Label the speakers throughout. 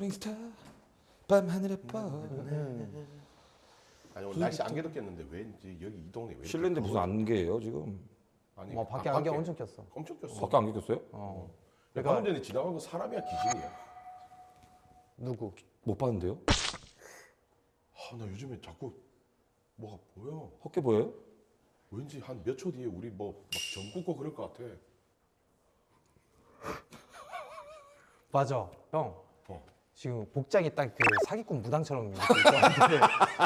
Speaker 1: 롤링스타 밤하늘에 뻔.
Speaker 2: 아니 오늘 날씨 안개 덮겠는데 왠지 여기 이 동네 왜 이렇게
Speaker 1: 실내인데 무슨 안개예요 지금?
Speaker 2: 아니
Speaker 3: 밖에 안경 엄청 꼈어.
Speaker 2: 엄청 꼈어.
Speaker 1: 밖에 안개 꼈어요?
Speaker 2: 그러니까 방금 전에 지나간 거 사람이야 기신이야.
Speaker 3: 누구?
Speaker 1: 못 봤는데요?
Speaker 2: 나 요즘에 자꾸 뭐가 보여.
Speaker 1: 헛게 보여요?
Speaker 2: 왠지 한 몇 초 뒤에 우리 뭐 막 전 굽고 그럴 것 같아.
Speaker 3: 맞아, 형.
Speaker 2: 어.
Speaker 3: 지금 복장이 딱 그 사기꾼 무당처럼 이렇게 있었는데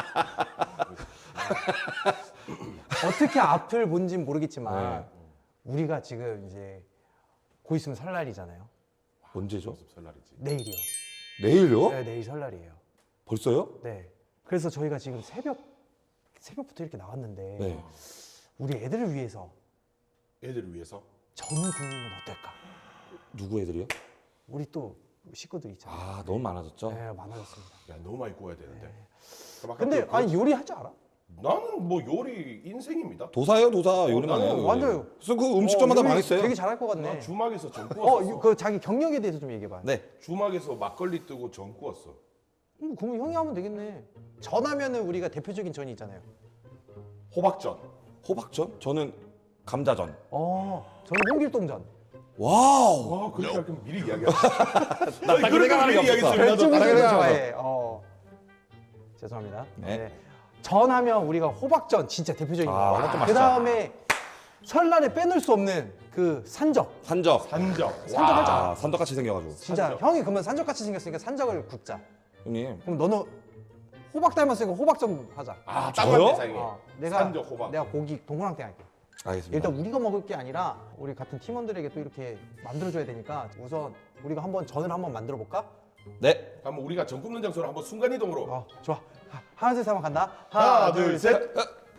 Speaker 3: 어떻게 앞을 본진 모르겠지만 우리가 지금 이제 곧 있으면 설날이잖아요.
Speaker 1: 언제죠?
Speaker 2: 연습 설날이지.
Speaker 3: 내일이요.
Speaker 1: 내일요?
Speaker 3: 네, 내일 설날이에요.
Speaker 1: 벌써요?
Speaker 3: 네. 그래서 저희가 지금 새벽부터 이렇게 나왔는데
Speaker 1: 네.
Speaker 3: 우리 애들을 위해서
Speaker 2: 애들을 위해서.
Speaker 3: 전을 굽는 건 어떨까?
Speaker 1: 누구 애들이요?
Speaker 3: 우리 또 식구들 있잖아요.
Speaker 1: 아 너무 많아졌죠?
Speaker 3: 네, 많아졌습니다.
Speaker 2: 야 너무 많이 구워야 되는데. 그럼 아까
Speaker 3: 근데
Speaker 2: 그-
Speaker 3: 아니 요리할 줄 알아?
Speaker 2: 나는 뭐 요리 인생입니다.
Speaker 1: 도사예요 도사 요리만
Speaker 2: 나는
Speaker 1: 해요.
Speaker 3: 완전요.
Speaker 1: 그래서 그 음식점마다
Speaker 3: 요리
Speaker 1: 망했어요.
Speaker 3: 되게 잘할 것
Speaker 2: 나
Speaker 3: 같네.
Speaker 2: 주막에서 전 구웠어.
Speaker 3: 그 자기 경력에 대해서 좀 얘기해봐.
Speaker 1: 네.
Speaker 2: 주막에서 막걸리 뜨고 전 구웠어.
Speaker 3: 그럼 형이 하면 되겠네. 전하면은 우리가 대표적인 전이 있잖아요.
Speaker 2: 호박전.
Speaker 1: 호박전? 저는 감자전.
Speaker 3: 저는 홍길동전.
Speaker 1: 와우.
Speaker 2: 와 그렇게 할 거면 미리 이야기하자.
Speaker 1: 딱 그 생각하는 게 없었어.
Speaker 3: 별주부전
Speaker 1: 다른 거
Speaker 3: 좋아해. 죄송합니다.
Speaker 1: 네.
Speaker 3: 전하면 우리가 호박전 진짜 대표적인
Speaker 1: 아,
Speaker 3: 거.
Speaker 1: 호박전
Speaker 3: 그
Speaker 1: 맛있죠.
Speaker 3: 다음에 설날에 빼놓을 수 없는 그 산적.
Speaker 1: 산적.
Speaker 2: 산적.
Speaker 3: 산적 하자.
Speaker 1: 아 산적같이 생겨가지고.
Speaker 3: 진짜
Speaker 2: 산적.
Speaker 3: 형이 그러면 산적같이 생겼으니까 산적을 굽자.
Speaker 1: 형님.
Speaker 3: 그럼 너는 호박 닮았으니까 호박전 하자.
Speaker 2: 아
Speaker 1: 저요?
Speaker 2: 땅만 대상이.
Speaker 3: 내가
Speaker 2: 산적 호박.
Speaker 3: 내가 고기 동그랑땡 할게.
Speaker 1: 알겠습니다.
Speaker 3: 일단 우리가 먹을 게 아니라 우리 같은 팀원들에게 또 이렇게 만들어줘야 되니까 우선 우리가 한번 전을 한번 만들어 볼까?
Speaker 1: 네.
Speaker 2: 한번 우리가 전 굽는 장소로 한번 순간 이동으로.
Speaker 3: 좋아. 하나 둘 셋 한번 간다.
Speaker 2: 하나 둘 셋.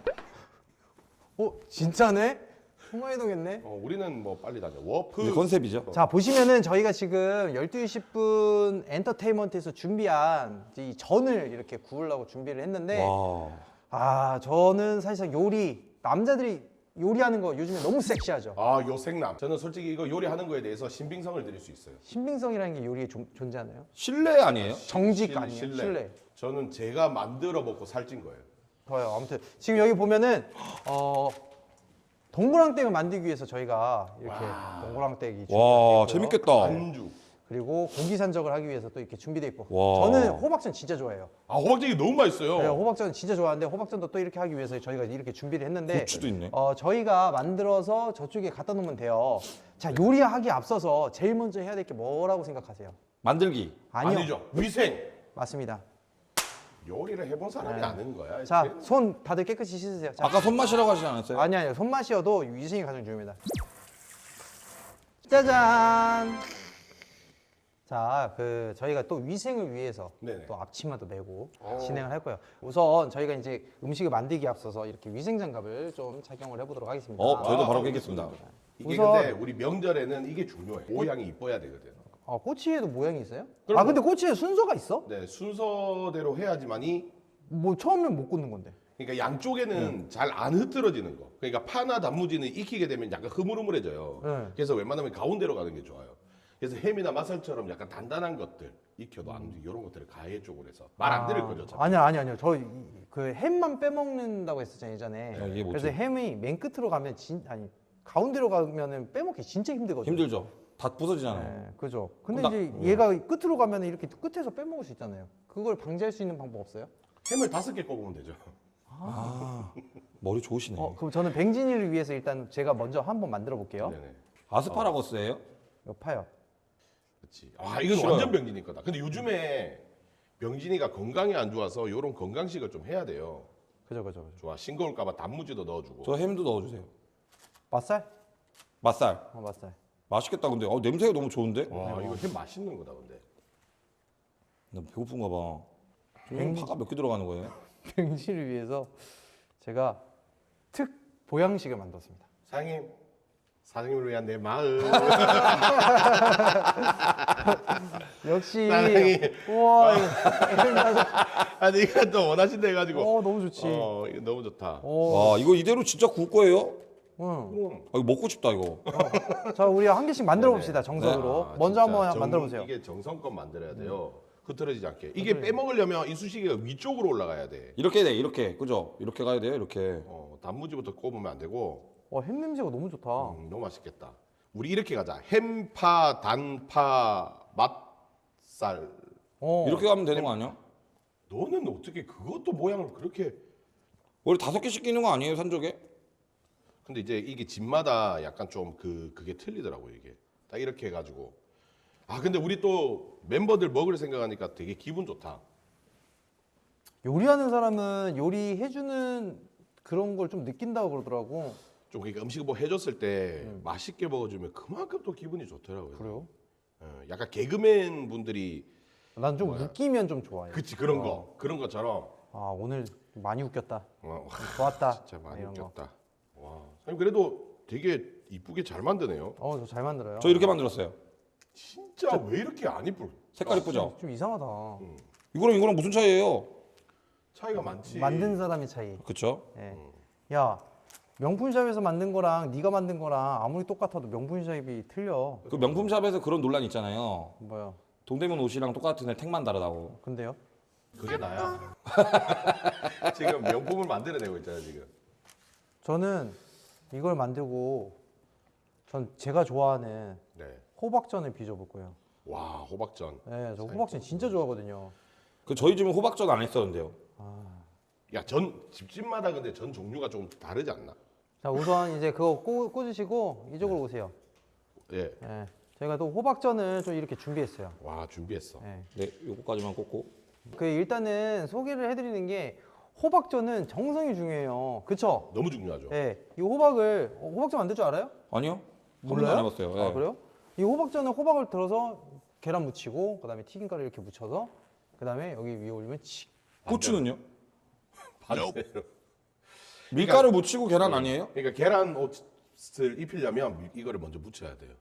Speaker 3: 진짜네? 순간이동했네.
Speaker 2: 우리는 뭐 빨리 다녀. 워프.
Speaker 1: 이제 컨셉이죠.
Speaker 3: 자 보시면은 저희가 지금 12시 10분 엔터테인먼트에서 준비한 이 전을 이렇게 구우려고 준비를 했는데
Speaker 1: 와.
Speaker 3: 저는 사실상 요리 남자들이 요리하는 거 요즘에 너무 섹시하죠.
Speaker 2: 요생남. 저는 솔직히 이거 요리하는 거에 대해서 신빙성을 드릴 수 있어요.
Speaker 3: 신빙성이라는 게 요리에 존재하나요?
Speaker 1: 실내 아니에요?
Speaker 3: 정직 아니에요? 실내.
Speaker 2: 저는 제가 만들어 먹고 살찐 거예요.
Speaker 3: 좋아요. 아무튼 지금 여기 보면은 동그랑땡을 만들기 위해서 저희가 이렇게 동그랑땡이
Speaker 1: 와
Speaker 3: 준비되어 있고요.
Speaker 1: 재밌겠다.
Speaker 2: 안주.
Speaker 3: 그리고 고기 산적을 하기 위해서 또 이렇게 준비돼 있고.
Speaker 1: 와.
Speaker 3: 저는 호박전 진짜 좋아해요.
Speaker 2: 호박전이 너무 맛있어요.
Speaker 3: 네, 호박전 진짜 좋아하는데 호박전도 또 이렇게 하기 위해서 저희가 이렇게 준비를 했는데
Speaker 1: 고추도 있네.
Speaker 3: 저희가 만들어서 저쪽에 갖다 놓으면 돼요. 자, 요리하기 앞서서 제일 먼저 해야 될 게 뭐라고 생각하세요?
Speaker 1: 만들기.
Speaker 3: 아니요.
Speaker 2: 아니죠. 위생.
Speaker 3: 맞습니다.
Speaker 2: 요리를 해본 사람이 아는 거야.
Speaker 3: 자, 손 다들 깨끗이 씻으세요. 자,
Speaker 1: 아까 손맛이라고 하시지 않았어요?
Speaker 3: 아니요. 손맛이어도 위생이 가장 중요합니다. 짜잔. 자, 저희가 또 위생을 위해서
Speaker 2: 네네.
Speaker 3: 또 앞치마도 메고 진행을 할 거예요. 우선 저희가 이제 음식을 만들기 앞서서 이렇게 위생 장갑을 좀 착용을 해보도록 하겠습니다.
Speaker 1: 저희도 바로 깨겠습니다.
Speaker 2: 이게
Speaker 3: 우선-
Speaker 2: 근데 우리 명절에는 이게 중요해. 모양이 이뻐야 되거든.
Speaker 3: 꼬치에도 모양이 있어요?
Speaker 2: 그럼
Speaker 3: 근데 꼬치에 순서가 있어?
Speaker 2: 네, 순서대로 해야지만이
Speaker 3: 뭐 처음엔 못 굽는 건데.
Speaker 2: 그러니까 양쪽에는 잘 안 흐트러지는 거. 그러니까 파나 단무지는 익히게 되면 약간 흐물흐물해져요.
Speaker 3: 네.
Speaker 2: 그래서 웬만하면 가운데로 가는 게 좋아요. 그래서 햄이나 맛살처럼 약간 단단한 것들 익혀도 안 움직이 이런 것들을 가해 쪽으로 해서 말 안 들을 거죠. 참.
Speaker 3: 아니요. 저 그 햄만 빼먹는다고 했었잖아요 예전에.
Speaker 1: 이게 뭐지?
Speaker 3: 그래서 햄이 맨 끝으로 가면 가운데로 가면은 빼먹기 진짜 힘들거든요.
Speaker 1: 힘들죠. 다 부서지잖아요.
Speaker 3: 네, 그죠. 근데
Speaker 1: 나-
Speaker 3: 이제 얘가 끝으로 가면 이렇게 끝에서 빼먹을 수 있잖아요. 그걸 방지할 수 있는 방법 없어요?
Speaker 2: 햄을 5개 꼽으면 되죠.
Speaker 1: 머리 좋으시네.
Speaker 3: 그럼 저는 뱅진이를 위해서 일단 제가 먼저 한번 만들어 볼게요.
Speaker 2: 네네.
Speaker 1: 아스파라거스예요?
Speaker 3: 이거 파요.
Speaker 2: 그렇지. 이건
Speaker 1: 싫어요.
Speaker 2: 완전 병진이 거다. 근데 요즘에 병진이가 건강이 안 좋아서 이런 건강식을 좀 해야 돼요.
Speaker 3: 그죠.
Speaker 2: 좋아. 싱거울까봐 단무지도 넣어주고.
Speaker 1: 저 햄도 넣어주세요.
Speaker 3: 맛살?
Speaker 1: 맛살.
Speaker 3: 맛살.
Speaker 1: 맛있겠다 근데. 냄새가 너무 좋은데?
Speaker 2: 와 이거 햄 맛있는 거다 근데.
Speaker 1: 나 배고픈가 봐. 형 파가 몇 개 들어가는 거예요?
Speaker 3: 뱅진이를 위해서 제가 특 보양식을 만들었습니다.
Speaker 2: 사장님을 위한 내 마음.
Speaker 3: 역시
Speaker 2: 사랑해.
Speaker 3: 우와
Speaker 2: 아니 이거 또 원하신다 해가지고.
Speaker 3: 너무 좋지.
Speaker 2: 이거 너무 좋다.
Speaker 1: 와 이거 이대로 진짜 구울 거예요?
Speaker 3: 응.
Speaker 1: 이거 먹고 싶다 이거.
Speaker 3: 자 우리 한 개씩 만들어 봅시다 정석으로. 먼저
Speaker 2: 진짜
Speaker 3: 한번 만들어 보세요.
Speaker 2: 이게 정성껏 만들어야 돼요. 흐트러지지 않게. 이게 빼먹으려면 이쑤시개가 위쪽으로 올라가야 돼.
Speaker 1: 이렇게 돼, 이렇게. 그죠? 이렇게 가야 돼요, 이렇게.
Speaker 2: 단무지부터 꼽으면 안 되고.
Speaker 3: 햄 냄새가 너무 좋다.
Speaker 2: 너무 맛있겠다. 우리 이렇게 가자. 햄파, 단파, 맛살.
Speaker 1: 이렇게 가면 되는 거 아니야?
Speaker 2: 너는 어떻게 그것도 모양을 그렇게?
Speaker 1: 원래 5개씩 끼는 거 아니에요, 산적에?
Speaker 2: 근데 이제 이게 집마다 약간 좀 그게 틀리더라고 이게. 딱 이렇게 해가지고. 아 근데 우리 또 멤버들 먹을 생각하니까 되게 기분 좋다.
Speaker 3: 요리하는 사람은 요리해주는 그런 걸 좀 느낀다고 그러더라고.
Speaker 2: 좀 그러니까 음식 뭐 해줬을 때 맛있게 먹어주면 그만큼 또 기분이 좋더라고요.
Speaker 3: 그래요?
Speaker 2: 약간 개그맨 분들이
Speaker 3: 난 좀 웃기면 좀 좋아해.
Speaker 2: 그치 그런 거 그런 것처럼.
Speaker 3: 아 오늘 많이 웃겼다.
Speaker 2: 와,
Speaker 3: 좋았다.
Speaker 2: 진짜 많이
Speaker 3: 이런 거.
Speaker 2: 웃겼다. 와, 선생님 그래도 되게 이쁘게 잘 만드네요.
Speaker 3: 저 잘 만들어요.
Speaker 1: 저 이렇게 만들었어요.
Speaker 2: 진짜 왜 이렇게 안 이쁠?
Speaker 1: 색깔 이쁘죠?
Speaker 3: 좀 이상하다.
Speaker 1: 이거랑 무슨 차이예요?
Speaker 2: 차이가 많지.
Speaker 3: 만든 사람의 차이.
Speaker 1: 그쵸?
Speaker 3: 예. 야 명품샵에서 만든 거랑 네가 만든 거랑 아무리 똑같아도 명품샵이 틀려.
Speaker 1: 그 명품샵에서 그런 논란 있잖아요.
Speaker 3: 뭐야?
Speaker 1: 동대문 옷이랑 똑같은데 택만 다르다고.
Speaker 3: 근데요?
Speaker 2: 그게 나야. 지금 명품을 만들어내고 있잖아 지금.
Speaker 3: 저는 이걸 만들고 전 제가 좋아하는
Speaker 2: 네.
Speaker 3: 호박전을 빚어볼 거예요.
Speaker 2: 와 호박전.
Speaker 3: 네, 저 호박전 진짜 좋아하거든요.
Speaker 1: 그 저희 집은 호박전 안 했었는데요.
Speaker 2: 야 전 집집마다 근데 전 종류가 좀 다르지 않나?
Speaker 3: 자 우선 이제 그거 꽂으시고 이쪽으로 오세요.
Speaker 2: 예.
Speaker 3: 예. 저희가 또 호박전을 좀 이렇게 준비했어요.
Speaker 2: 와 준비했어.
Speaker 3: 예.
Speaker 1: 네, 요거까지만 꽂고.
Speaker 3: 그 일단은 소개를 해드리는 게 호박전은 정성이 중요해요. 그쵸?
Speaker 2: 너무 중요하죠.
Speaker 3: 예. 이 호박을 호박전 만들 줄 알아요?
Speaker 1: 아니요? 한 번도
Speaker 3: 몰라요?
Speaker 1: 안 해봤어요. 예.
Speaker 3: 아 그래요? 이 호박전은 호박을 들어서 계란 묻히고 그다음에 튀김가루 이렇게 묻혀서 그다음에 여기 위에 올리면
Speaker 1: 고추는요?
Speaker 2: 반대로.
Speaker 1: 밀가루 묻히고 계란 아니에요?
Speaker 2: 그러니까 계란 옷을 입히려면 이거를 먼저 묻혀야 돼요.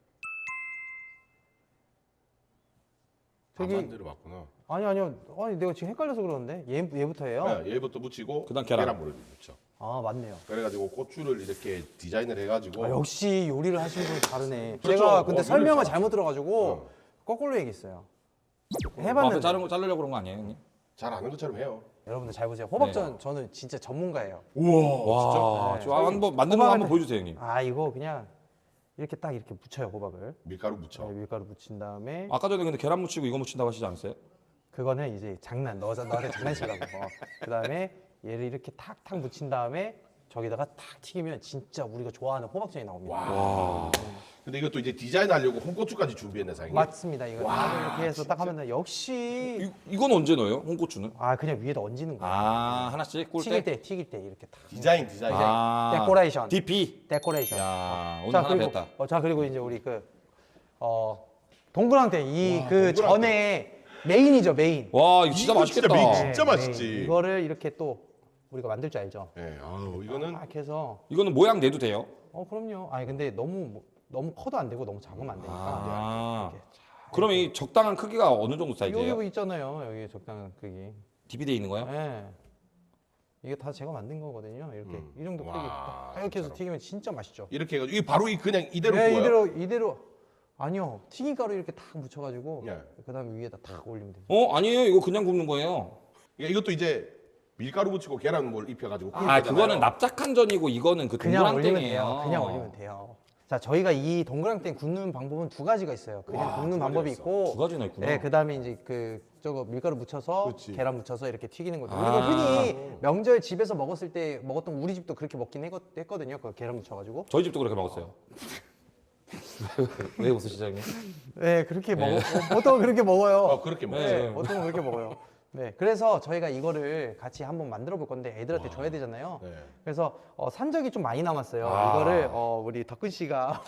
Speaker 3: 저기-
Speaker 2: 반대로 맞구나.
Speaker 3: 아니요. 아니 내가 지금 헷갈려서 그러는데 얘부터 해요?
Speaker 2: 네, 얘부터 묻히고
Speaker 1: 그다음 계란.
Speaker 2: 물을 묻혀.
Speaker 3: 아 맞네요.
Speaker 2: 그래가지고 고추를 이렇게 디자인을 해가지고
Speaker 3: 아, 역시 요리를 하시는 분이 다르네.
Speaker 2: 그렇죠.
Speaker 3: 제가 근데 설명을
Speaker 2: 그렇죠.
Speaker 3: 잘못 들어가지고 거꾸로 얘기했어요.
Speaker 1: 앞에
Speaker 3: 해봤는데
Speaker 1: 자르려고 그런 거 아니에요, 형님?
Speaker 2: 잘 아는 것처럼 해요.
Speaker 3: 여러분들 잘 보세요. 호박전 저는 진짜 전문가예요.
Speaker 1: 와,
Speaker 3: 네.
Speaker 1: 저 한번 만드는 거
Speaker 3: 호박을
Speaker 1: 한번 보여주세요, 형님.
Speaker 3: 아 이거 그냥 이렇게 딱 이렇게 묻혀요 호박을.
Speaker 2: 밀가루 묻혀.
Speaker 3: 네, 밀가루 묻힌 다음에
Speaker 1: 아까 전에 근데 계란 묻히고 이거 묻힌다고 하시지 않았어요?
Speaker 3: 그거는 이제 장난 너한테 장난치라고. 그다음에 얘를 이렇게 탁탁 묻힌 다음에 저기다가 탁 튀기면 진짜 우리가 좋아하는 호박전이 나옵니다.
Speaker 1: 와.
Speaker 2: 근데 이것도 이제 디자인하려고 홍고추까지 준비했네 사장님.
Speaker 3: 맞습니다. 이거 딱 이렇게 해서 딱 하면 역시
Speaker 1: 이건 언제 넣어요? 홍고추는?
Speaker 3: 그냥 위에다 얹는 거야.
Speaker 1: 아, 하나씩 꿀 때?
Speaker 3: 튀길 때 이렇게 딱.
Speaker 2: 디자인.
Speaker 1: 아,
Speaker 3: 데코레이션.
Speaker 1: DP.
Speaker 3: 데코레이션.
Speaker 1: 야, 오늘
Speaker 3: 자
Speaker 1: 하나
Speaker 3: 그리고
Speaker 1: 됐다.
Speaker 3: 자 그리고 이제 우리 동그랑땡 이 그
Speaker 2: 동그랑땡.
Speaker 3: 전에 메인이죠 메인.
Speaker 1: 와, 이거 진짜
Speaker 2: 이거
Speaker 1: 맛있겠다.
Speaker 2: 진짜 진짜
Speaker 3: 메인.
Speaker 2: 맛있지.
Speaker 3: 이거를 이렇게 또 우리가 만들 줄 알죠.
Speaker 2: 네, 아우 이거는
Speaker 3: 딱 해서
Speaker 1: 이거는 모양 내도 돼요?
Speaker 3: 그럼요. 아니 근데 너무 커도 안 되고 너무 작으면 안 되니까.
Speaker 1: 아.
Speaker 3: 이렇게 자,
Speaker 1: 그러면 이 적당한 크기가 어느 정도 사이즈예요?
Speaker 3: 여기 있잖아요. 여기 적당한 크기.
Speaker 1: DP 돼 있는 거예요?
Speaker 3: 예. 이게 다 제가 만든 거거든요. 이렇게 이 정도 크기.
Speaker 2: 와,
Speaker 3: 딱 이렇게 해서
Speaker 2: 진짜로.
Speaker 3: 튀기면 진짜 맛있죠.
Speaker 2: 이렇게 해가지고 이게 바로 그냥 이대로
Speaker 3: 네,
Speaker 2: 구워요?
Speaker 3: 이대로 아니요. 튀김가루 이렇게 탁 묻혀가지고
Speaker 2: 예.
Speaker 3: 그다음에 위에다 탁 올리면 돼요.
Speaker 1: 아니에요. 이거 그냥 굽는 거예요.
Speaker 2: 그러니까 이것도 이제 밀가루 묻히고 계란물 입혀가지고 구운
Speaker 1: 아,
Speaker 2: 거잖아요.
Speaker 1: 그거는 납작한 전이고 이거는 그
Speaker 3: 그냥 올리면
Speaker 1: 동그랑땡이에요.
Speaker 3: 돼요. 그냥 올리면 돼요. 자, 저희가 이 동그랑땡 굽는 방법은 두 가지가 있어요. 그냥
Speaker 2: 와,
Speaker 3: 굽는
Speaker 2: 두
Speaker 3: 방법이
Speaker 2: 가지가
Speaker 3: 있고,
Speaker 1: 두 가지나 있구나.
Speaker 3: 네, 그다음에 이제 저거 밀가루 묻혀서
Speaker 2: 그렇지.
Speaker 3: 계란 묻혀서 이렇게 튀기는 거죠.
Speaker 1: 아.
Speaker 3: 우리가 흔히 명절 집에서 먹었을 때 먹었던 우리 집도 그렇게 먹긴 했거든요. 그 계란 묻혀가지고.
Speaker 1: 저희 집도 그렇게 먹었어요. 왜 웃으시죠, 형님?
Speaker 3: 네, 그렇게 보통 그렇게 먹어요.
Speaker 2: 그렇게 먹어요.
Speaker 3: 네, 보통 그렇게 먹어요. 네, 그래서 저희가 이거를 같이 한번 만들어 볼 건데 애들한테 줘야 되잖아요.
Speaker 2: 네.
Speaker 3: 그래서 산적이 좀 많이 남았어요.
Speaker 1: 아.
Speaker 3: 이거를 우리 덕근 씨가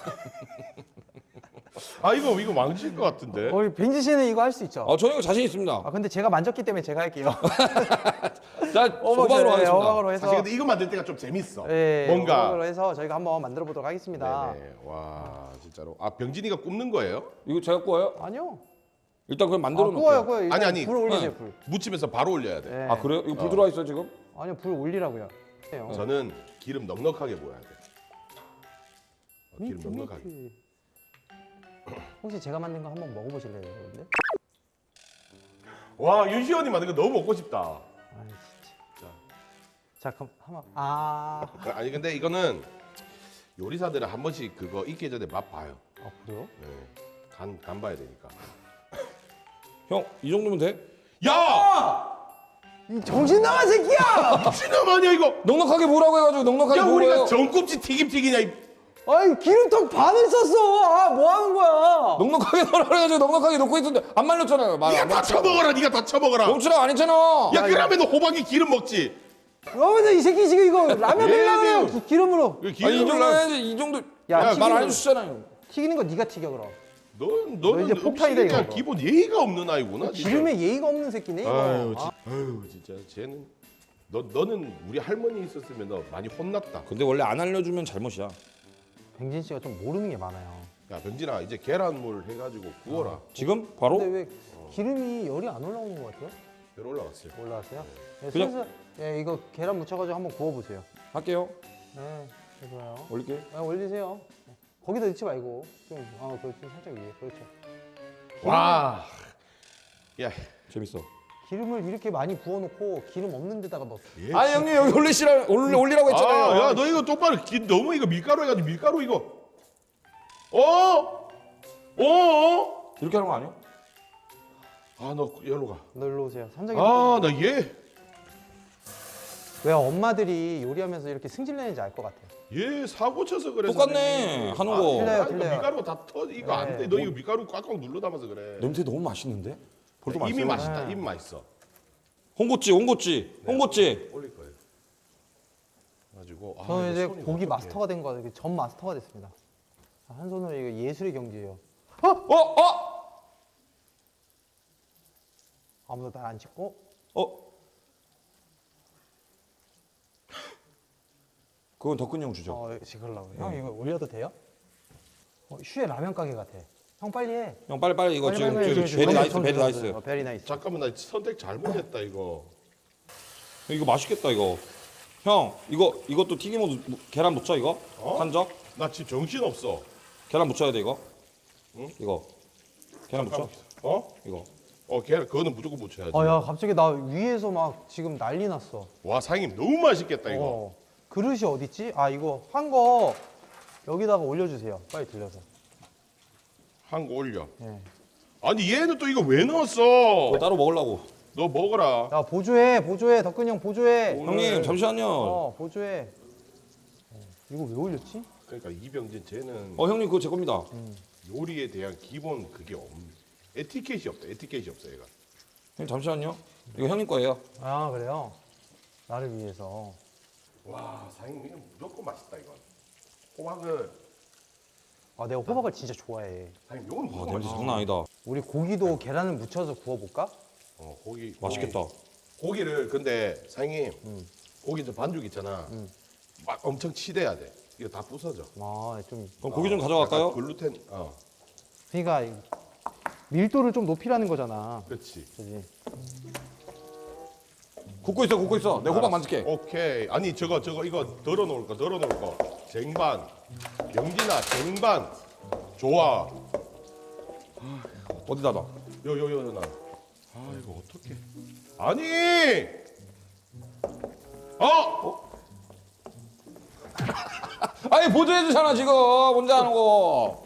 Speaker 2: 아 이거 망칠 것 같은데.
Speaker 3: 우리 벤지 씨는 이거 할 수 있죠.
Speaker 1: 저는 이거 자신 있습니다.
Speaker 3: 근데 제가 만졌기 때문에 제가 할게요.
Speaker 1: 자, 호박으로 하겠습니다.
Speaker 3: 호박으로 해서
Speaker 2: 사실 근데 이거 만들 때가 좀 재밌어.
Speaker 3: 네,
Speaker 2: 뭔가.
Speaker 3: 호박으로 해서 저희가 한번 만들어 보도록 하겠습니다.
Speaker 2: 네네. 와 진짜로. 아 병진이가 굽는 거예요?
Speaker 1: 이거 제가 구워요?
Speaker 3: 아니요.
Speaker 1: 일단 그럼 만들어 놓을게요.
Speaker 3: 구워요. 일단
Speaker 2: 아니.
Speaker 3: 불 올리세요,
Speaker 1: 네.
Speaker 3: 불.
Speaker 2: 묻히면서 바로 올려야 돼.
Speaker 3: 네.
Speaker 1: 아, 그래요? 이거 불 들어와 있어 지금?
Speaker 3: 아니요, 불 올리라고요. 해요.
Speaker 2: 저는 기름 넉넉하게 부어야 돼. 기름 넉넉하게.
Speaker 3: 혹시 제가 만든 거 한번 먹어보실래요, 여러분들?
Speaker 2: 와 윤시원이 만든 거 너무 먹고 싶다.
Speaker 3: 아 진짜. 자 그럼 한번 아
Speaker 2: 아니 근데 이거는 요리사들은 한 번씩 그거 익기 전에 맛 봐요.
Speaker 3: 그래요?
Speaker 2: 네. 간 봐야 되니까.
Speaker 1: 형 이 정도면 돼?
Speaker 2: 야!
Speaker 3: 이 정신 나간 새끼야!
Speaker 2: 미친놈 아니야 이거?
Speaker 1: 넉넉하게 뭐라고 해가지고 넉넉하게
Speaker 2: 야
Speaker 1: 뭐래요?
Speaker 2: 우리가 전꼽치 튀김 튀기냐 이.
Speaker 3: 아이 기름통 반을 썼어. 아 뭐 하는 거야?
Speaker 1: 넉넉하게 넣으라 그래가지고 넉넉하게 넣고 있었는데 안 말렸잖아요.
Speaker 2: 네가 다 쳐먹어라. 네가 다 쳐먹어라.
Speaker 1: 멈추라 안 했잖아.
Speaker 2: 야 그러면 호박이 기름 먹지.
Speaker 3: 그러면 이 새끼 지금 이거 라면
Speaker 2: 예,
Speaker 3: 끓이려면
Speaker 2: 예.
Speaker 3: 기름으로
Speaker 2: 이거
Speaker 1: 아니 이 정도
Speaker 2: 기름을
Speaker 1: 해야지 이 정도.
Speaker 3: 야,
Speaker 1: 말 안
Speaker 3: 튀기는-
Speaker 1: 해주시잖아요.
Speaker 3: 튀기는 거 네가 튀겨 그럼.
Speaker 2: 너는
Speaker 3: 이제 폭탄이다,
Speaker 2: 음식에
Speaker 3: 이거.
Speaker 2: 기본 예의가 없는 아이구나. 진짜.
Speaker 3: 기름에 예의가 없는 새끼네 이거.
Speaker 2: 아유 진짜 쟤는 너는 우리 할머니 있었으면 너 많이 혼났다.
Speaker 1: 근데 원래 안 알려주면 잘못이야.
Speaker 3: 백진 씨가 좀 모르는 게 많아요.
Speaker 2: 야 병진아 이제 계란물 해가지고 구워라.
Speaker 1: 지금 바로?
Speaker 3: 근데 왜 기름이 열이 안 올라오는 것 같아요?
Speaker 2: 별 올라갔어요.
Speaker 3: 올라왔어요? 네,
Speaker 1: 그냥-
Speaker 3: 슬슬 예, 이거 계란 묻혀가지고 한번 구워보세요.
Speaker 1: 할게요.
Speaker 3: 네, 좋아요.
Speaker 1: 올릴게.
Speaker 3: 네, 올리세요. 네. 거기다 넣지 말고 좀 살짝 위에 그렇죠.
Speaker 2: 와. 야.
Speaker 1: 재밌어.
Speaker 3: 기름을 이렇게 많이 부어놓고 기름 없는 데다가 넣었어.
Speaker 2: 얘
Speaker 1: 아 형님 여기 올리라고 했잖아요.
Speaker 2: 야, 너 이거 똑바로 너무 이거 밀가루 해가지고 밀가루 이거. 어?
Speaker 1: 이렇게 하는 거 아니야?
Speaker 2: 아, 너 여기로 가.
Speaker 3: 너 일로 오세요. 삼장이.
Speaker 2: 아, 나 얘.
Speaker 3: 왜 엄마들이 요리하면서 이렇게 승질내는지 알 것 같아요.
Speaker 2: 얘 사고 쳐서 그래.
Speaker 1: 똑같네 하는 거.
Speaker 3: 틀려요.
Speaker 2: 이거 밀가루 다 터지. 이거 안 돼.
Speaker 3: 네.
Speaker 2: 너 이거 밀가루 꽉꽉 눌러 담아서 그래.
Speaker 1: 냄새 너무 맛있는데? 벌써
Speaker 2: 이미
Speaker 1: 맛있어요.
Speaker 2: 맛있다. 이미 맛있어.
Speaker 1: 홍고찌.
Speaker 2: 올릴 거예요. 가지고
Speaker 3: 저는 이제 고기 마스터가 된 거 같아요. 전 마스터가 됐습니다. 한 손으로 이거 예술의 경지예요. 아무도 날 안 찍고.
Speaker 1: 그건 덕근이 형 주죠.
Speaker 3: 찍으려고. 형 이거 올려도 돼요? 슈에 라면 가게 같아. 형 빨리 해.
Speaker 1: 형 빨리 이거 지금
Speaker 3: 빨리,
Speaker 1: 베리 나이스 베리 나이스.
Speaker 3: 베리 나이스.
Speaker 2: 잠깐만 나 선택 잘못했다 이거.
Speaker 1: 이거 맛있겠다 이거. 형 이것도 튀김으로 계란 묻혀 이거? 한적?
Speaker 2: 나 지금 정신 없어.
Speaker 1: 계란 묻혀야 돼 이거? 이거 계란 묻혀?
Speaker 2: 어?
Speaker 1: 이거
Speaker 2: 걔 그거는 무조건 묻혀야지.
Speaker 3: 야 갑자기 나 위에서 막 지금 난리 났어.
Speaker 2: 와 사장님 너무 맛있겠다 이거.
Speaker 3: 그릇이 어디 있지? 아 이거 한 거 여기다가 올려주세요. 빨리 들려서.
Speaker 2: 한 거 올려.
Speaker 3: 예.
Speaker 2: 아니 얘는 또 이거 왜 넣었어?
Speaker 1: 그거 따로 먹으려고.
Speaker 2: 너 먹어라.
Speaker 3: 야 보조해 덕근이 형 보조해.
Speaker 1: 형님 잠시만요.
Speaker 3: 보조해. 이거 왜 올렸지?
Speaker 2: 그러니까 이병진 쟤는
Speaker 1: 형님 그거 제 겁니다.
Speaker 2: 요리에 대한 기본 그게 에티켓이 없다. 에티켓이 없어 얘가.
Speaker 1: 형님 잠시만요. 이거 형님 거예요.
Speaker 3: 아 그래요? 나를 위해서.
Speaker 2: 와 사장님 이거 무조건 맛있다 이건. 호박을
Speaker 3: 아 내가 호박을 진짜 좋아해.
Speaker 2: 사장님 이건
Speaker 1: 와
Speaker 2: 무조건
Speaker 1: 냄새
Speaker 2: 맛있어.
Speaker 1: 장난 아니다.
Speaker 3: 우리 고기도 계란을 묻혀서 구워볼까?
Speaker 2: 고기
Speaker 1: 맛있겠다.
Speaker 2: 고기를 근데 사장님 고기 저 반죽 있잖아. 막 엄청 치대야 돼. 이거 다 부서져.
Speaker 3: 아좀
Speaker 1: 그럼 고기 좀 가져갈까요?
Speaker 2: 약간 글루텐.
Speaker 3: 그러니까 밀도를 좀 높이라는 거잖아.
Speaker 2: 그렇지.
Speaker 3: 그지?
Speaker 1: 굽고 있어. 내 호박 만질게.
Speaker 2: 오케이. 아니 저거 이거 덜어놓을 거. 쟁반. 영진아 쟁반. 좋아.
Speaker 1: 어디다 놔?
Speaker 2: 요 나. 아 이거 어떻게? 아니.
Speaker 1: 아니 보조해 주잖아 지금 혼자 하는 거.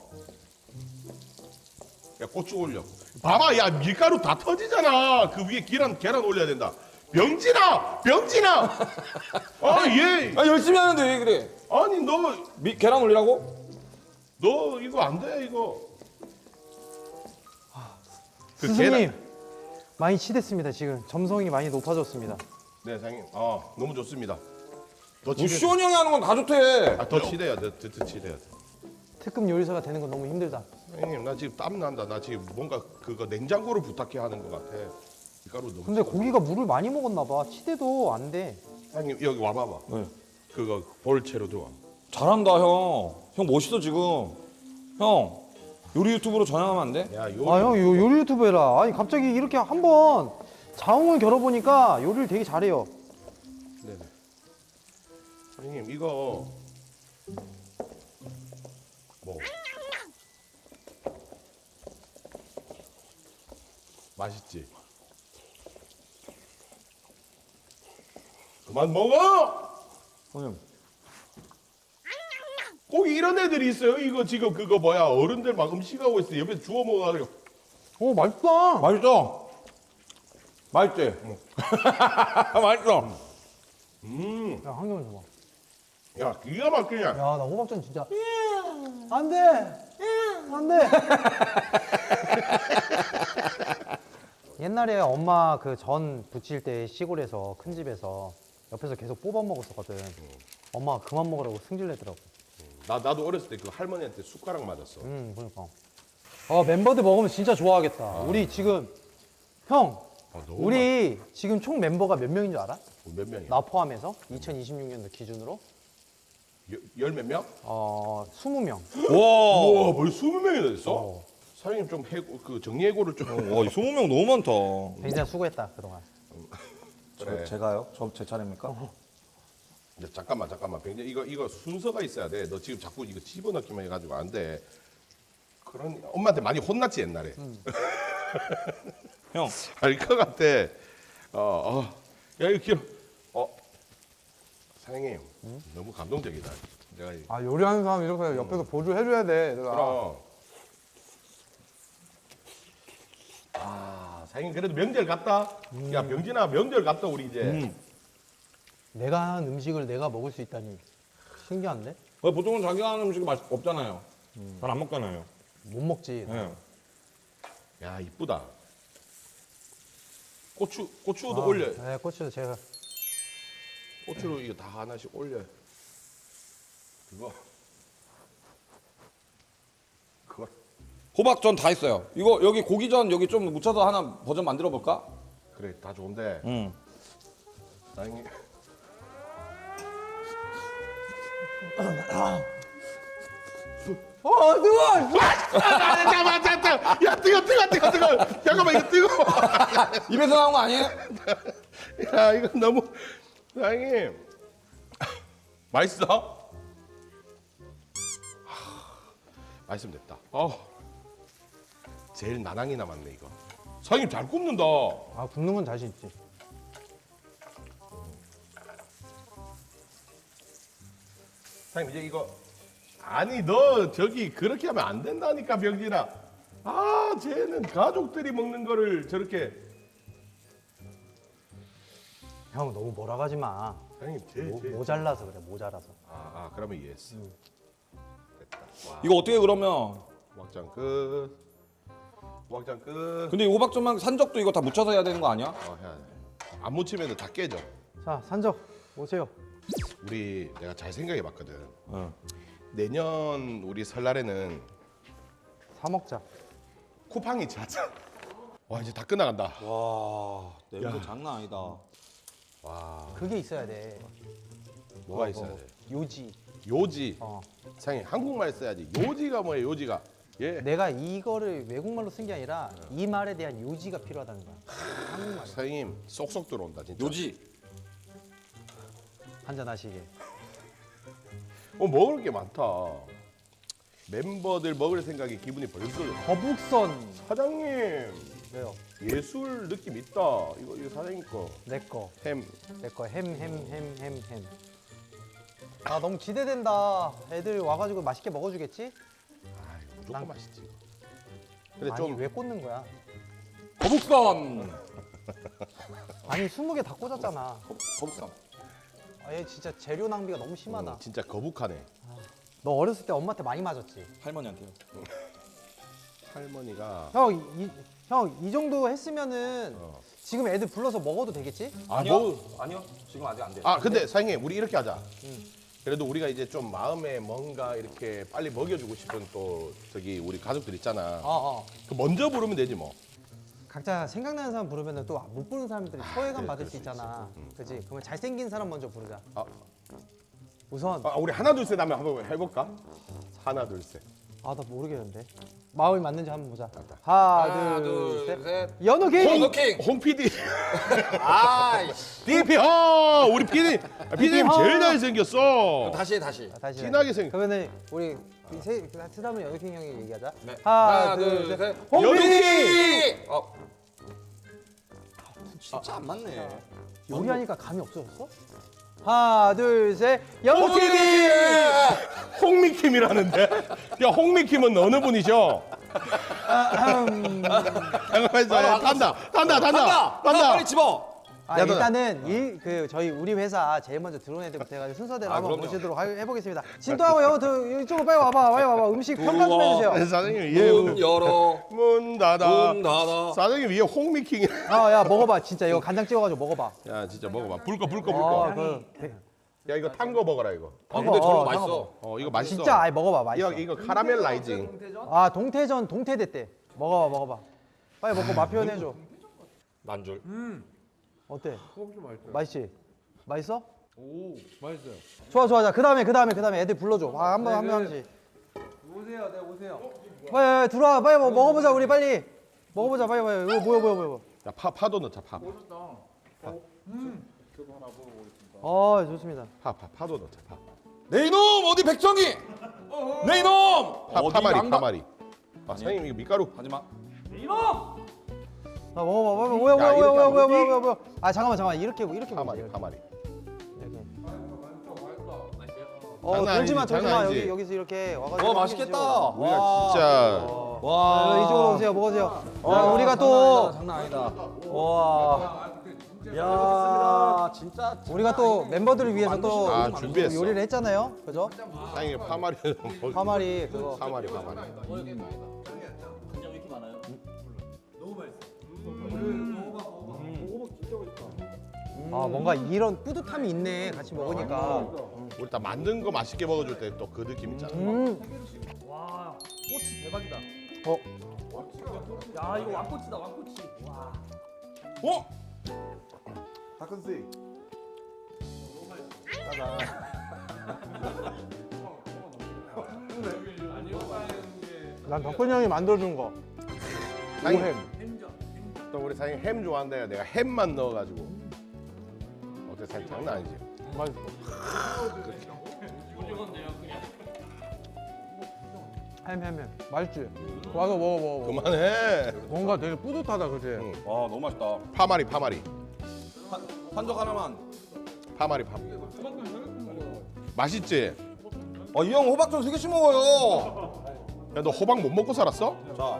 Speaker 2: 야 고추 올려. 봐봐 야 밀가루 다 터지잖아. 그 위에 계란 올려야 된다. 병진아. 얘.
Speaker 1: 아 열심히 하는데 왜 그래?
Speaker 2: 아니 너
Speaker 1: 계란 올리라고?
Speaker 2: 이거 안 돼 이거. 그
Speaker 3: 스승님 많이 치댔습니다. 지금 점성이 많이 높아졌습니다.
Speaker 2: 네 사장님. 너무 좋습니다. 더
Speaker 1: 뭐
Speaker 2: 치대.
Speaker 1: 시원이 형이 하는 건 다 좋대.
Speaker 2: 더 치대야 돼. 더 치대야 돼.
Speaker 3: 특급 요리사가 되는 건 너무 힘들다.
Speaker 2: 형님 나 지금 땀 난다. 나 지금 뭔가 그거 냉장고를 부탁해 하는 것 같아. 밀가루 너무.
Speaker 3: 근데 고기가 물을 많이 먹었나 봐. 치대도 안 돼.
Speaker 2: 형님 여기 와봐봐.
Speaker 1: 네.
Speaker 2: 그거 볼채로 좋아.
Speaker 1: 잘한다 형. 형 멋있어 지금. 형 요리 유튜브로 전향하면 안 돼?
Speaker 2: 야 요리.
Speaker 3: 아 형 요리 유튜브 해라. 아니 갑자기 이렇게 한번 자웅을 겨뤄보니까 요리를 되게 잘해요.
Speaker 2: 네네. 형님 이거 뭐 맛있지? 그만 먹어.
Speaker 1: 형님.
Speaker 2: 꼭 이런 애들이 있어요. 이거 지금 그거 뭐야 어른들 막 음식하고 있어 옆에서 주워 먹어가지고.
Speaker 3: 오 맛있다.
Speaker 1: 맛있어. 맛있지? 맛있어.
Speaker 3: 야, 한 개만 줘봐.
Speaker 2: 야 기가 막히냐.
Speaker 3: 야, 나 호박전 진짜. 안 돼. 안 돼. 옛날에 엄마 그 전 부칠 때 시골에서 큰 집에서 옆에서 계속 뽑아 먹었었거든. 엄마가 그만 먹으라고 승질내더라고.
Speaker 2: 나도 어렸을 때 그 할머니한테 숟가락 맞았어.
Speaker 3: 그러니까. 멤버들 먹으면 진짜 좋아하겠다. 우리 지금 형,
Speaker 2: 너무
Speaker 3: 우리 지금 총 멤버가 몇 명인 줄 알아?
Speaker 2: 몇 명이야?
Speaker 3: 나 포함해서 2026년도 기준으로
Speaker 2: 열 몇 명?
Speaker 3: 20명.
Speaker 1: 와.
Speaker 2: 우와 뭘 20명이나 됐어? 사장님 좀 해고 그 정리해고를 좀.
Speaker 1: 와, 이 20명 너무 많다.
Speaker 3: 굉장히 수고했다 그동안.
Speaker 2: 그래.
Speaker 1: 제가요? 제 차례입니까?
Speaker 2: 이제 잠깐만 병재 이거 순서가 있어야 돼. 너 지금 자꾸 이거 집어넣기만 해가지고 안 돼. 그런 엄마한테 많이 혼났지 옛날에.
Speaker 1: 형.
Speaker 2: 알 것 같아. 야 이거 길어. 사장님 너무 감동적이다. 내가
Speaker 4: 아 요리하는 사람 이렇게 옆에서 보조해줘야 돼. 내가.
Speaker 2: 그럼. 사장님 그래도 명절 갔다. 야 병진아 명절 갔다 우리 이제.
Speaker 3: 내가 한 음식을 내가 먹을 수 있다니 신기한데?
Speaker 1: 보통은 자기가 하는 음식이 맛 없잖아요. 잘 안 먹잖아요.
Speaker 3: 못 먹지.
Speaker 1: 네.
Speaker 2: 야 이쁘다. 고추도 올려.
Speaker 3: 네, 고추도 제가
Speaker 2: 고추로 이거 다 하나씩 올려. 그거.
Speaker 1: 호박전 다 있어요. 이거 여기 고기전 여기 좀 묻혀서 하나 버전 만들어 볼까?
Speaker 2: 그래 다 좋은데.
Speaker 1: 응.
Speaker 2: 사장님.
Speaker 3: 뜨거워!
Speaker 2: 잠깐만. 야 뜨거. 잠깐만 이거 뜨거.
Speaker 1: 입에서 나온 거 아니에요?
Speaker 2: 야 이거 너무. 사장님. 맛있어? 맛있으면 됐다. 제일 나랑이 남았네 이거. 사장님 잘 굽는다.
Speaker 3: 아, 굽는 건 자신 있지.
Speaker 2: 사장님 이제 이거 아니 너 저기 그렇게 하면 안 된다니까 병진아. 쟤는 가족들이 먹는 거를 저렇게.
Speaker 3: 형 너무 뭐라 하지 마.
Speaker 2: 사장님 쟤.
Speaker 3: 모자라서 그래, 모자라서.
Speaker 2: 그러면 이해했어. 됐다. 와,
Speaker 1: 이거 어떻게 그러면?
Speaker 2: 막장 끝. 막장 끝.
Speaker 1: 근데 이 호박전만 산적도 이거 다 묻혀서 해야 되는 거 아니야?
Speaker 2: 해야 돼. 안 묻히면 다 깨져.
Speaker 3: 자, 산적 오세요.
Speaker 2: 우리 내가 잘 생각해봤거든.
Speaker 1: 응.
Speaker 2: 내년 우리 설날에는
Speaker 3: 사 먹자.
Speaker 2: 쿠팡이 자자. 와 이제 다 끝나간다.
Speaker 1: 와, 냄새 장난 아니다.
Speaker 3: 그게 있어야 돼.
Speaker 2: 뭐가 있어야 돼?
Speaker 3: 요지.
Speaker 2: 요지.
Speaker 3: 어.
Speaker 2: 사장님 한국말 써야지. 요지가 뭐예요? 요지가. 예.
Speaker 3: 내가 이거를 외국말로 쓴 게 아니라 이 말에 대한 요지가 필요하다는 거야. 한국말.
Speaker 2: 사장님 쏙쏙 들어온다 진짜.
Speaker 1: 요지.
Speaker 3: 한잔 하시게.
Speaker 2: 먹을 게 많다. 멤버들 먹을 생각에 기분이 벌써.
Speaker 3: 거북선.
Speaker 2: 사장님
Speaker 3: 왜요?
Speaker 2: 예술 느낌 있다. 이거 사장님 거.
Speaker 3: 내 거.
Speaker 2: 햄.
Speaker 3: 내 거 햄. 아, 너무 기대된다. 애들 와가지고 맛있게 먹어주겠지?
Speaker 2: 무조건
Speaker 3: 난-
Speaker 2: 맛있지. 근데
Speaker 3: 아니,
Speaker 2: 좀
Speaker 3: 왜 꽂는 거야?
Speaker 1: 거북선.
Speaker 3: 아니, 20개 다 꽂았잖아.
Speaker 1: 거북선.
Speaker 3: 아, 얘 진짜 재료 낭비가 너무 심하다.
Speaker 2: 진짜 거북하네.
Speaker 3: 너 어렸을 때 엄마한테 많이 맞았지?
Speaker 1: 할머니한테요.
Speaker 2: 할머니가
Speaker 3: 형, 이 정도 했으면은
Speaker 2: 어.
Speaker 3: 지금 애들 불러서 먹어도 되겠지?
Speaker 1: 아니요. 아니요. 지금 아직 안 돼.
Speaker 2: 근데 사장님 우리 이렇게 하자. 그래도 우리가 이제 좀 마음에 뭔가 이렇게 빨리 먹여주고 싶은 또 저기 우리 가족들 있잖아. 그 먼저 부르면 되지 뭐.
Speaker 3: 각자 생각나는 사람 부르면 또 못 부르는 사람들이 소외감
Speaker 2: 그래,
Speaker 3: 받을
Speaker 2: 그럴
Speaker 3: 수
Speaker 2: 수
Speaker 3: 있잖아. 그지? 그러면 잘생긴 사람 먼저 부르자. 우선
Speaker 2: 우리 하나 둘 셋 하면 한번 해볼까? 하나 둘 셋.
Speaker 3: 나 모르겠는데. 마음이 맞는지 한번 보자.
Speaker 1: 하나,
Speaker 3: 하나,
Speaker 1: 둘,
Speaker 3: 둘, 셋.
Speaker 1: 셋.
Speaker 3: 연우 게임.
Speaker 1: 호노킹.
Speaker 2: 홍 PD.
Speaker 1: 아이씨.
Speaker 2: DP 우리 PD님 제일 잘생겼어.
Speaker 1: 다시.
Speaker 3: 다시.
Speaker 2: 진하게 생.
Speaker 3: 그러면은 우리 다음에 연우킹 형이 얘기하자.
Speaker 1: 네.
Speaker 3: 하나, 둘, 셋. 홍 PD!
Speaker 1: 연우킹. 진짜 안 맞네.
Speaker 3: 요리하니까 감이 없어졌어? 하나, 둘, 셋. 영국이!
Speaker 2: 홍미킴이라는데? 야, 홍미킴은 어느 분이죠? 잠깐만 있어. 단다.
Speaker 1: 빨리 집어.
Speaker 3: 아,
Speaker 2: 야, 너-
Speaker 3: 일단은 저희 우리 회사 제일 먼저 들어온 애들부터 해가지고 순서대로 한번
Speaker 1: 그럼요.
Speaker 3: 모시도록 해보겠습니다. 진도하고 이쪽으로 빨리 와봐. 음식 평가 좀 해주세요.
Speaker 2: 사장님
Speaker 1: 문 열어.
Speaker 2: 문 닫아.
Speaker 1: 문 닫아.
Speaker 2: 사장님 위에 홍미킹.
Speaker 3: 야 먹어봐 진짜 이거 간장 찍어가지고 먹어봐.
Speaker 2: 야 진짜 먹어봐. 불꺼. 야 이거 탄 거 먹어라 이거.
Speaker 1: 아 근데 저런 거
Speaker 3: 어,
Speaker 1: 맛있어.
Speaker 2: 이거 맛있어.
Speaker 3: 진짜 아예 먹어봐 맛있어.
Speaker 2: 이거 카라멜 라이징.
Speaker 3: 아 동태대 때 먹어봐. 빨리 먹고 맛 표현해줘.
Speaker 1: 난줄.
Speaker 3: 어때? 맛있지? 맛있어?
Speaker 4: 오 맛있어요.
Speaker 3: 좋아. 자 그다음에 애들 불러줘. 한 명씩.
Speaker 4: 오세요, 네 오세요.
Speaker 3: 빨리 들어와. 빨리 먹어보자 우리 빨리. 먹어보자 빨리. 이거 뭐야?
Speaker 2: 야 파도 넣자 파.
Speaker 3: 좋습니다.
Speaker 2: 파도 넣자 파.
Speaker 1: 내 이놈 어디 백정이? 내 이놈. 어디
Speaker 2: 파마리
Speaker 1: 양가-
Speaker 2: 파마리. 아 사장님 이거 밀가루.
Speaker 1: 하지마.
Speaker 3: 자 먹어봐.
Speaker 2: 야, 이렇게 하면
Speaker 3: 뭐야? 아 잠깐만 이렇게
Speaker 2: 파마리
Speaker 3: 먹자,
Speaker 2: 파마리.
Speaker 3: 이렇게.
Speaker 2: 장난 아니지,
Speaker 3: 돌지마
Speaker 2: 장난 아니지.
Speaker 3: 여기서 이렇게 와가지고.
Speaker 1: 맛있겠다.
Speaker 2: 우리가 진짜
Speaker 3: 이쪽으로 오세요 먹으세요. 자, 우리가 또
Speaker 1: 장난 아니다.
Speaker 3: 와
Speaker 1: 야 진짜.
Speaker 3: 우리가 또 멤버들을 위해서 또
Speaker 2: 준비했어.
Speaker 3: 요리를 했잖아요, 그죠?
Speaker 2: 사장님 파마리.
Speaker 3: 파마리 그거.
Speaker 2: 파마리.
Speaker 3: 뭔가 이런 뿌듯함이 있네 같이 먹으니까.
Speaker 2: 우리 다 만든 거 맛있게 먹어줄 때 또 그 느낌 있잖아.
Speaker 5: 꼬치 대박이다.
Speaker 3: 어?
Speaker 5: 야 이거 왕꼬치다 왕꼬치. 와.
Speaker 1: 어?
Speaker 2: 다큰스.
Speaker 4: 난 덕분이 형이 만들어준 거. 오햄.
Speaker 2: 또 우리 사장님 햄 좋아한다. 내가 햄만 넣어가지고. 어때 사장님 장난 아니지?
Speaker 4: 맛있어. 햄. 맛있지? 와서 먹어.
Speaker 2: 그만해.
Speaker 4: 뭔가 되게 뿌듯하다, 그지?
Speaker 2: 응.
Speaker 1: 와 너무 맛있다.
Speaker 2: 파마리.
Speaker 1: 한적 하나만.
Speaker 2: 파마리. 맛있지?
Speaker 1: 이 형 호박 좀 3개씩 먹어요.
Speaker 2: 야 너 호박 못 먹고 살았어?
Speaker 1: 자.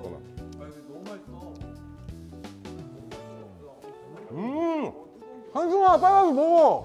Speaker 4: 한승아, 빨리 와서 먹어.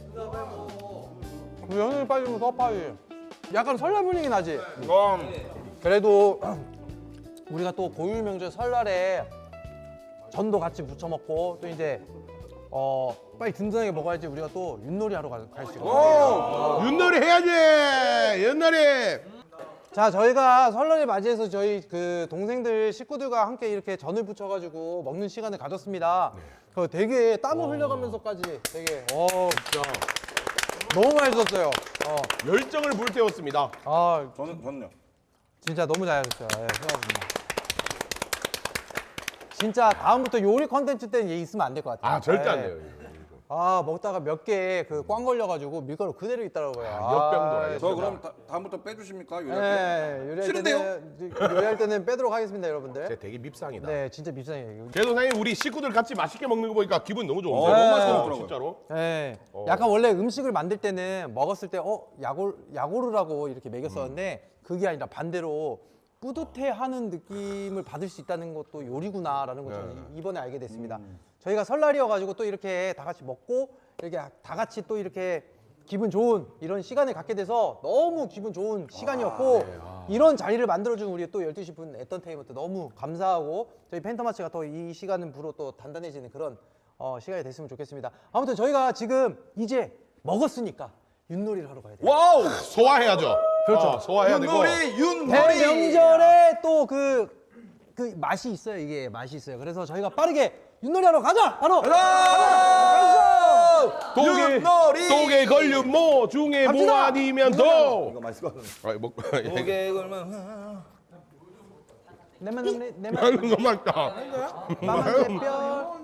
Speaker 4: 우리 형님이 빠지면 더 빠지.
Speaker 3: 약간 설날 분위기 나지?
Speaker 1: 이건
Speaker 3: 그래도 우리가 또 고유 명절 설날에 전도 같이 부쳐 먹고 또 이제 빨리 든든하게 먹어야지 우리가 또 윷놀이 하러 갈 수 있거든요.
Speaker 2: 윷놀이 해야지. 윷놀이.
Speaker 3: 자, 저희가 설날을 맞이해서 저희 그 동생들 식구들과 함께 이렇게 전을 부쳐가지고 먹는 시간을 가졌습니다. 되게 땀을 흘려가면서까지 되게
Speaker 4: 진짜. 너무 맛있었어요.
Speaker 2: 열정을 불태웠습니다.
Speaker 1: 저는요.
Speaker 3: 진짜 너무 잘하셨어요. 수고하셨습니다. 진짜 다음부터 요리 컨텐츠 때는 얘 있으면 안 될 것 같아요.
Speaker 2: 절대 안
Speaker 3: 네.
Speaker 2: 돼요.
Speaker 3: 먹다가 몇 개 그 꽝 걸려가지고 밀가루 그대로 있더라고요.
Speaker 2: 역병도라.
Speaker 1: 저 그럼 다음부터 빼주십니까?
Speaker 3: 네, 요리할 때는 빼도록 하겠습니다, 여러분들.
Speaker 2: 진짜 되게 밉상이다.
Speaker 3: 네, 진짜 밉상이에요.
Speaker 2: 그래도 사장님 우리 식구들 같이 맛있게 먹는 거 보니까 기분 너무 좋은데.
Speaker 1: 너무 맛있게 먹더라고요.
Speaker 2: 진짜로.
Speaker 3: 네, 약간 원래 음식을 만들 때는 먹었을 때 야고르라고 이렇게 먹였었는데 그게 아니라 반대로 뿌듯해하는 느낌을 받을 수 있다는 것도 요리구나라는 걸 저는 이번에 알게 됐습니다. 저희가 설날이어가지고 또 이렇게 다 같이 먹고 이렇게 다 같이 또 이렇게 기분 좋은 이런 시간을 갖게 돼서 너무 기분 좋은 시간이었고 이런 자리를 만들어준 우리 또 12시 분 엔터테인먼트 너무 감사하고 저희 펜터마치가 더 이 시간으로 또 단단해지는 그런 시간이 됐으면 좋겠습니다. 아무튼 저희가 지금 이제 먹었으니까 윷놀이를 하러 가야 돼요.
Speaker 1: 와우.
Speaker 2: 소화해야죠.
Speaker 3: 그렇죠.
Speaker 2: 소화해야 되고.
Speaker 1: 윷놀이.
Speaker 3: 대명절에 또 그 맛이 있어요. 이게 맛이 있어요. 그래서 저희가 빠르게 윷놀이 하러 가자. 바로
Speaker 2: 독에 걸려 뭐 중에 뭐
Speaker 3: 갑시다.
Speaker 2: 아니면 도.
Speaker 1: 이거 맛있을 것 같은데.
Speaker 2: 뭐
Speaker 1: 고개 걸면.
Speaker 3: 내만
Speaker 2: 이거 맛있다.
Speaker 3: 마만 대뼈